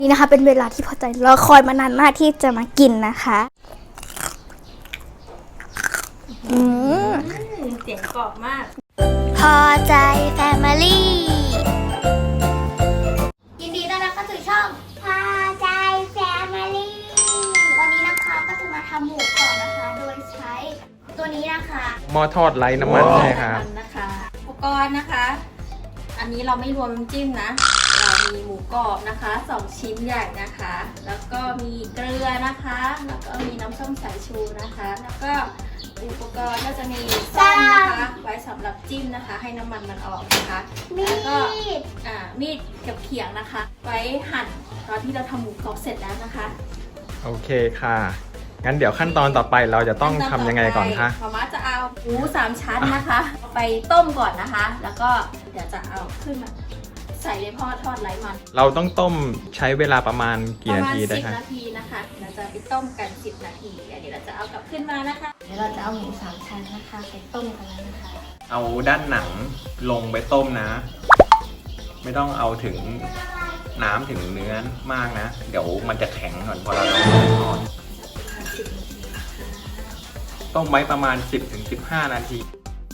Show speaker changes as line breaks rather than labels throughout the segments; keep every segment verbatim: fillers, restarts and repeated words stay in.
นี่นะคะเป็นเวลาที่พอใจรอคอยมานานมากที่จะมากินนะคะอืม
เสียงกรอบมาก
พอใจแฟมิลี่ยินดีต้อนรับเข้าสู่ช่องพอใจแฟมิลี่วันนี้นะคะก็จะมาทำหมูกรอบนะคะโดยใช้ตัวนี้นะคะ
หม้อทอดไร้น้ำมันใช่ครับ
นะคะอุปกรณ์นะคะอันนี้เราไม่รวมน้ำจิ้มนะเรามีหมูกรอบนะคะสองชิ้นใหญ่นะคะแล้วก็มีเกลือนะคะแล้วก็มีน้ำส้มสายชูนะคะแล้วก็อุปกรณ์ก็จะมีซ่อมนะคะไว้สำหรับจิ้มนะคะให้น้ำมันมันออกนะคะแล้วก็อ่ามีดกับเขียงนะคะ ไว้หั่นตอนที่เราทำหมูกรอบเสร็จแล้วนะคะ
โอเคค่ะงั้นเดี๋ยวขั้นตอนต่อไปเราจะต้องทำยังไงก่อนคะ
มาม่าจะเอาหมูสามชั้นนะคะเอาไปต้มก่อนนะคะแล้วก็เดี๋ยวจะเอาขึ้นมาใส่ในหม้อทอดไร้มัน
เราต้องต้มใช้เวลาประมาณกี่นาทีได้คะ
ประมาณสิบนาทีนะคะเราจะไปต้มกันสิบนาทีเดี๋ยวเราจะเอากลับขึ้นมานะคะเดี๋ยวเราจะเอาหมูสามชั้นนะคะไปต้มกันแล้วนะคะ
เอาด้านหนังลงไปต้มนะไม่ต้องเอาถึงน้ำถึงเนื้อมากนะเดี๋ยวมันจะแข็งก่อนพอเราลงไปทอดต้มไว้ประมาณ สิบถึงสิบห้า นาที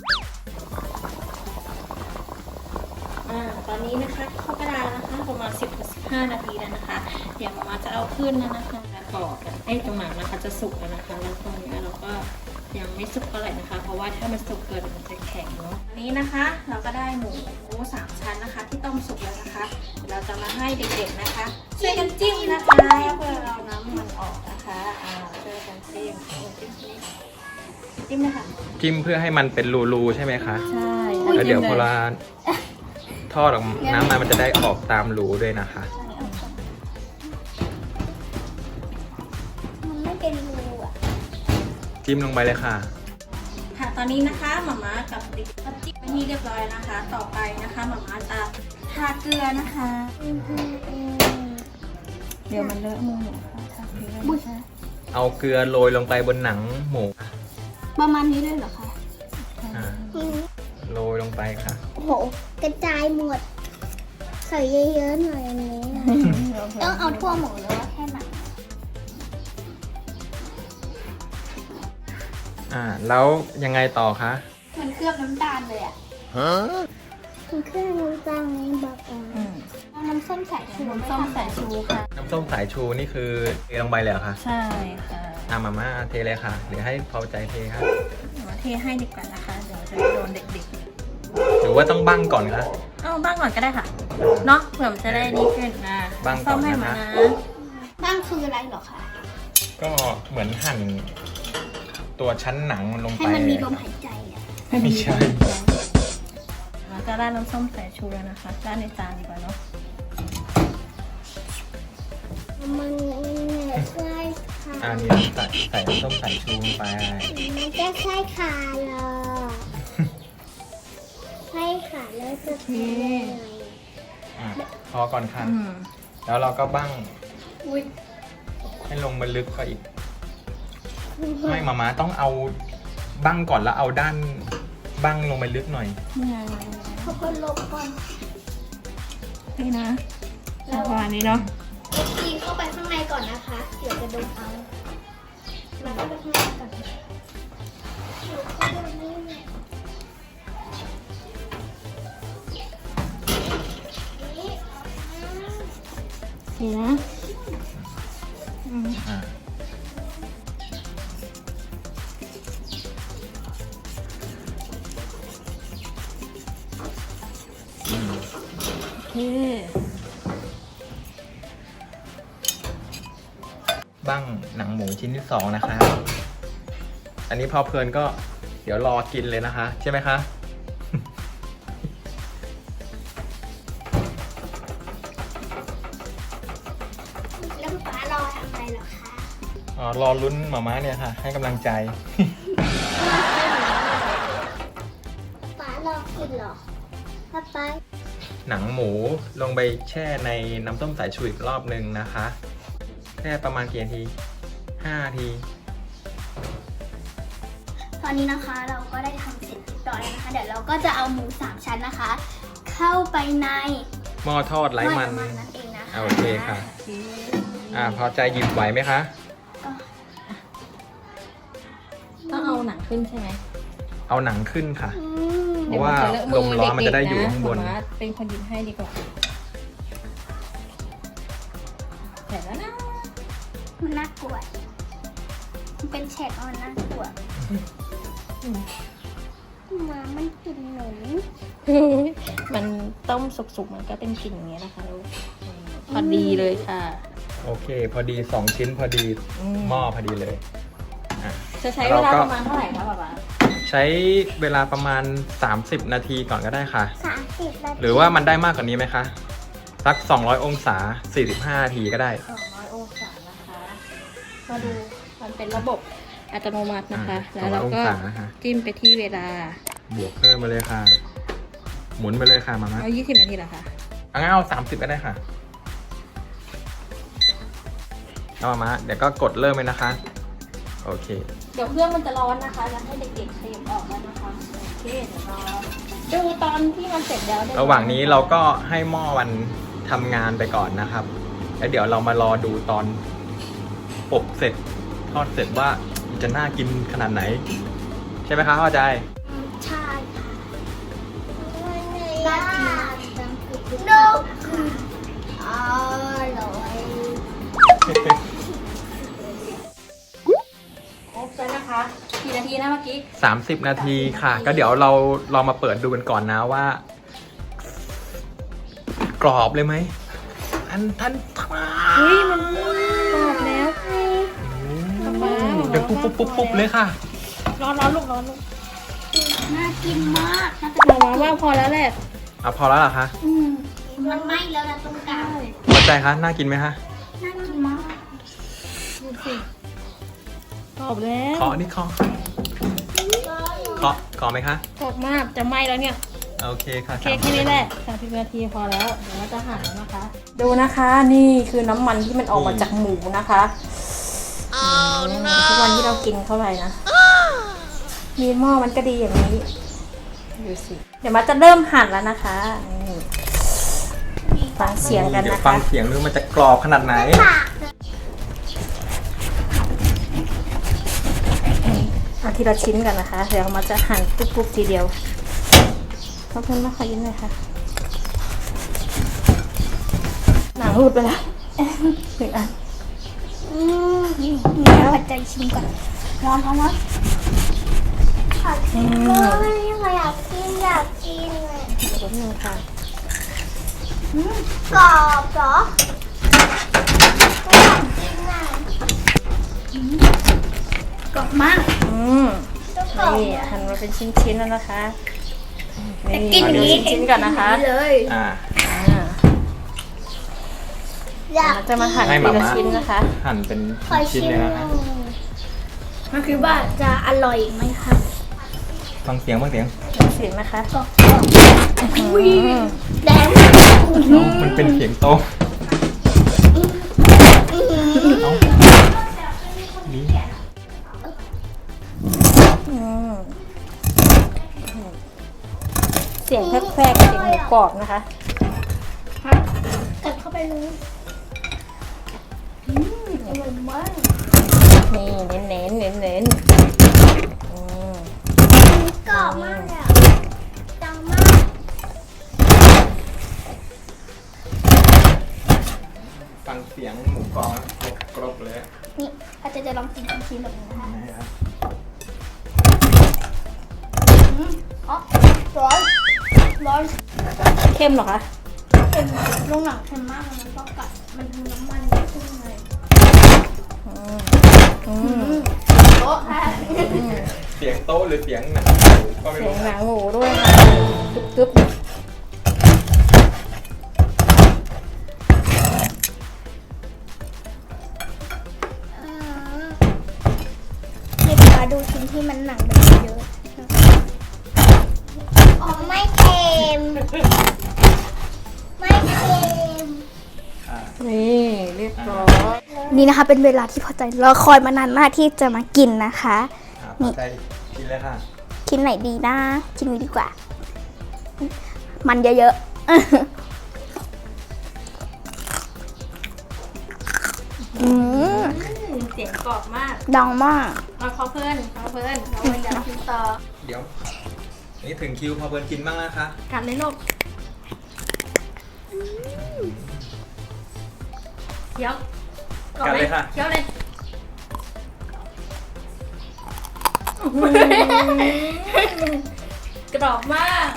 อ่าตอนนี้นะคะเข้ากระดาษนะคะประมาณ สิบถึงสิบห้า นาทีแล้วนะคะเดี๋ยวมาม่าจะเอาขึ้นแล้วนะคะกรอบไอ้ตรงหนังนะคะจะสุกแล้วนะคะแล้วตรงนี้เราก็ยังไม่สุกเท่าไหร่นะคะเพราะว่าถ้ามันสุกเกินมันจะแข็งเนาะอันนี้นะคะเราก็ได้หมูสามชั้นนะคะที่ต้มสุกแล้วนะคะเราจะมาให้เด็กๆนะคะช่วยกันจิ้มนะคะเพื่อเราน้ำมันออกนะคะอ่าช่วยกันจิ้มจิ้มจิ้มนะคะ
จิ้มเพื่อให้มันเป็นรูๆใช่ไหมคะ
ใช่
แล้วเดี๋ยวพอเราทอดออกน้ำมันมันจะได้ออกตามรูด้วยนะคะ
มันไม่เป็นรูอ่ะ
จิ้มลงไปเลยค่ะ
ค่ะตอนนี้นะคะหม่าม่ากับติ๊กก็จิ้มไปที่เรียบร้อยนะคะ ต่อไปนะคะหม่าม่าจะทาเกลือนะคะเดี๋ยวมันเลอะมือหนูค่ะทาเกลือนะคะ
เอาเกลือโรยลงไปบนหนังหมู
ประมาณนี้เลยเหรอคะ
โรยลงไปค่ะ
โอ้โหกระจายหมดใส่เยอะๆหน่อยอันนี้ต้องเอาทั่วหมูหรือว่าแค่หนัง
อ่าแล้วยังไงต่อคะ
มันเคลือบน้ำตาลเลยอ่ะฮะมันเคลือบน้ำตาลนี่บอกอ่ะน้ำส้มสายชู
น้ำส้มสายชูค่ะ
น้ำส้มสายชูนี่คือเทลงไปเลยเหรอคะ
ใช่ค่ะ
อ่ะมาม่าเทเลยค่ะหรือให้พอใจเทครับ
มาเทให้ดีกว่านะคะเดี๋ยวจะโดนเด็ก
ๆหรือว่าต้องบั้งก่อนคะ
เอาบั้งก่อนก็ได้ค่ะเนาะเผื่อมันจะได้ดีขึ้นนะ
บั้งก่อนนะคะ
บั้งคืออะไรหรอคะ
ก็เหมือนหั่นตัวชั้นหนังลงไป
ให้มันมีลมหายใจอ่ะ
ไม่ใช่
เราจะราดน้ำส้มสายชูแล้วนะคะราดในจานดีกว่าเนาะ
มันใช่ค่ะ
อันนี้ใส่ใส่น้ำส้มสายชูลงไป
มันจะใช่ค่ะเหรอใช่ค่ะแล้วจะทำยังไง
พอก่อนค่ะแล้วเราก็บั้งให้ลงมาลึกก็อีกไม่มาม่าต้องเอาบั้งก่อนแล้วเอาด้านบั้งลงไปลึกหน่อย
เขาก็ลบก่อน
นี่นะประมาณนี้เนาะ
ตีเข้าไปข้างในก่อนนะคะเดี๋ยวจะโดนเอาแล้วก็ไปข้างในก่อน
นี่นะ
อ่าบั้งหนังหมูชิ้นที่สองนะคะอันนี้พอเพลินก็เดี๋ยวรอกินเลยนะคะใช่ไหมคะ
แล้วป๊ารอทำอะไรหรอคะ
อ๋อรอลุ้นหม่าม้าเนี่ยค่ะให้กำลังใจ
ป๊ารอกินหรอป๊าป๊า
หนังหมูลงไปแช่ในน้ำต้มสายชูอีกรอบหนึ่งนะคะแค่ประมาณกี่นาทีห้านาที
ตอนนี้นะคะเราก็ได้ทำเสร็จเรียบร้อยแล้วนะคะเดี๋ยวเราก็จะเอาหมูสามชั้นนะคะเข้าไปใน
หม้อทอดไร้มัน
นั่นเองนะคะ
อ่าโอเคค่ะ
โอเค
อ่าพอใจหยิบไหวไหมคะ
ต้องเอาหนังขึ้นใช่ไหม
เอาหนังขึ้นค่ะ
อืม
เพราะว่าลมร้อนมันจะได้อยู่ข้างบน
เดี๋ยวมัจะเลอะมือเด็กๆะหมอม้าเป็นคนหยิบให้ดีกว่าเสร็จแล้วนะ
มันน่ากลัวมันเป็นแฉกมันน่ากลัวหมามันกินหนู
มันต้มสุกๆมันก็เป็นกลิ่นอย่างเงี้ยนะคะลูกอืมพอดีเลยค่ะ
โอเค พอดีสองชิ้นพอดี
อืม
หม้อพอดีเลยอ่ะ
จะใช้เวลาประมาณเท่าไหร่คะป๊าป๊า
ใช้เวลาประมาณ สามสิบ นาทีก่อนก็ได้ค่ะ
สามสิบนาที
หรือว่ามันได้มากกว่านี้ไหมคะสัก สองร้อย องศา สี่สิบห้า นาทีก็ได้
สองร้อยองศานะคะ มาดูมันเป็นระบบอัตโนมัตินะคะ
อ่า
แล้วเราก็
สองร้อยองศานะคะ
จิ้มไปที่เวลา
บวกเพิ่มมาเลยค่ะ หมุนไปเลยค่ะมามา
เอายี่สิบนาทีเหรอคะ
เอางั้นเอาสามสิบก็ได้ค่ะเอามามาเดี๋ยวก็กดเริ่มเลยนะคะ โอเค
เดี๋ยวเครื่องมันจะร้อนนะคะจะให้เด็กๆขยับออกแล้วนะคะ โอเคเดี๋ยวรอดูตอนที่มันเสร็จแล้วได้
ระหว่างนี้เราก็ให้หม้อมันทำงานไปก่อนนะครับ แล้วเดี๋ยวเรามารอดูตอนอบเสร็จทอดเสร็จว่ามันจะน่ากินขนาดไหน ใช่ไหมคะเข้าใจ
ใช่ค่ะน่ากินนกอร่อย
อบแล้วนะคะกี่นาทีนะเมื่อกี้
สามสิบ นาทีค่ะ ก็เดี๋ยวเราลองมาเปิดดูกันก่อนนะว่า กรอบเลยไหมอันทันทา
เฮ้ยมันกรอบแล้วป๊า
เดี๋ยวปุ๊บปุ๊บปุ๊บปุ๊บเลยค่ะ
ร้อนร้อนลูกร้อนลูก
น่ากินมากน่าจะ
หมอว่าพอแล้วแหละ
อ่ะพอแล้วเหรอคะ
อืมมันไหม้แล้วนะตรงกลาง
พอใจคะน่ากินไหมคะ
น่ากินมาก
ดูสิกรอบแล้ว
เคาะนี่เคาะเคาะเคาะไหมคะ
กรอบมากจะไหม้แล้วเนี่ย
โอเคค่ะ
โอเคแค่นี้แหละสามสิบนาทีพอแล้ว เดี๋ยวเราจะหั่นแล้วนะคะ ดูนะคะ นี่คือน้ำมันที่มันออกมาจากหมูนะคะมทุกวันที่เรากินเข้าไปนะ มีหม้อมันก็ดีอย่างนี้ ดูสิ เดี๋ยวมาจะเริ่มหั่นแล้วนะคะนี่ฟังเสียงกัน
เดี๋ยว
นะ
ฟั
คะ
งเสียงดูมันจะกรอบขนาดไหน
ปากเลย
เอาทีละชิ้นกันนะคะ เดี๋ยวมาจะหั่นปุ๊บๆทีเดียวขอบคุณมากค่ะยิ้มเลยค่ะ หนังหลุดไปแล้วหนึ่งอัน
อืมนี่นี่ปัจจัยชิมก่อนร้อนร้อนร้อนขอชิมเลยอยากกินอยากกินเลย
เดี๋ยวแป๊บนึงค่ะ
อืมกรอบเหรออยากกินอ่ะอืมกรอบมาก
อืม
ต้องกรอบ
นี่หั่นมาเป็นชิ้นๆแล้วนะคะ
แต่กินอย่างนี้
ชิ้นๆก่อนนะคะ
เลย
อ่า
อ่า
อยาก
เราจะมาหั่น
ให้
ที
มา
ละ
ม่า
ชิ้นนะคะ
หั่นเป็น
ขอ
ชิ้น
ชิม
เลยนะคะ
มันคือว่าจะอร่อยไหมคะ
ฟังเสียงฟังเสียง
เสียงนะคะ
กรอบกรอบ
อุ้ย
แดง
เอ้ามันเป็นเสียงโต๊ะเอ้านี่
อืมเสียงแครกๆเสียงหมูกรอบนะคะ
กัดเข้าไปเลยอืมอร่อยมาก
นี่เน้นๆเน้นๆอืม
กรอบมากเลยอะดังมาก
ฟังเสียงหมูกรอบกรอบเลย
นี่อาจจะจะลองกินชิ้นๆแบบนี้นะคะ
นะครับ
อืมอ๋อร้อนร้อน
เข้มเหรอคะ
เค็มลงหนังเค็มมากเลยมันก็กัดมันมีน้ำมันขึ้นเลย
อืมอื
อื
ม
มโต๊ะค่ะ
อืม
เสียงโต๊ะหรือเสียงหนังก็ไม่
เสีย
รู้
งหนังหมูด้วยค่ะตึ๊บๆ
อืมนี่มาดูชิ้นที่มันหนังแบบเยอะอ๋อไม่เค็มไม่เค็ม
อ่า
นี่เรียบร้อย
นี่นะคะเป็นเวลาที่พอใจรอคอยมานานมากที่จะมากินนะคะ
อ่า
นี่
พอใจกินเลยค่ะ
กินไหนดีนะกินนี้ดีกว่า มันเยอะๆ
เสียงกรอบมาก
ดังมาก
เอาพอเพื่อนพอเพื่อนพอเพื่อนอยากกินต่อ
เดี๋ยว นี่ถึงคิวพอเบิร์นกินบ้างนะคะ
กัดเลยลูกเคี้ยว
กัดเลยค่ะ
เคี้ยวเลยกรอบมาก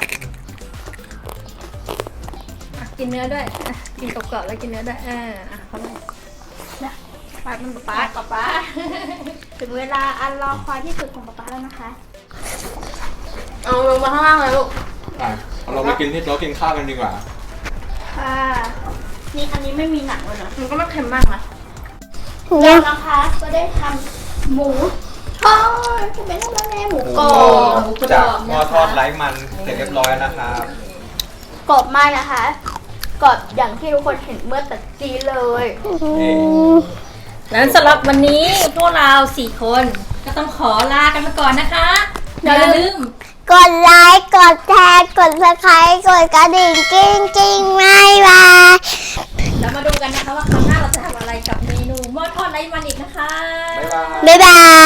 อ่ะกินเนื้อด้วยอ่ะกินกรอบๆแล้วกินเนื้อด้วยอ่าอ่ะเข้าไปนะปาดมันป๊าป๊าป๊า
ถึงเวลาอันรอคอยที่สุดของป๊าป๊าแล้วนะคะ
เอาลงมาข้างล่างเลยลูก
อ่ะเราไปกินที่โต๊ะกินข้าวกันดีกว่า
ค่ะนี่อันนี้ไม่มีหนังเลยนะ
มันก็ไม่เค็มมากนะ
เรานะคะก็ได้ทำหมูทอดจะเป็นทำแม่หมูกรอบ
จากหม้อทอดไร้มันเสร็จเรียบร้อยแล้วนะครับ
กรอบมากนะคะกรอบอย่างที่ทุกคนเห็นเมื่อตะกี้เลย
นี่
แล้วสำหรับวันนี้พวกเราสี่คนก็ต้องขอลากันไปก่อนนะคะอย่าลืม
กดไลค์กดแชร์กดซับสไครต์กดกระดิ่งกิ้งกิ้งไม่บาย
แล้วมาดูกันนะคะว่าครั้งหน้าเราจะทำอะไรกับเมนูหม้อทอดไร้มันอีกนะคะ
บ๊ายบาย
บ๊ายบาย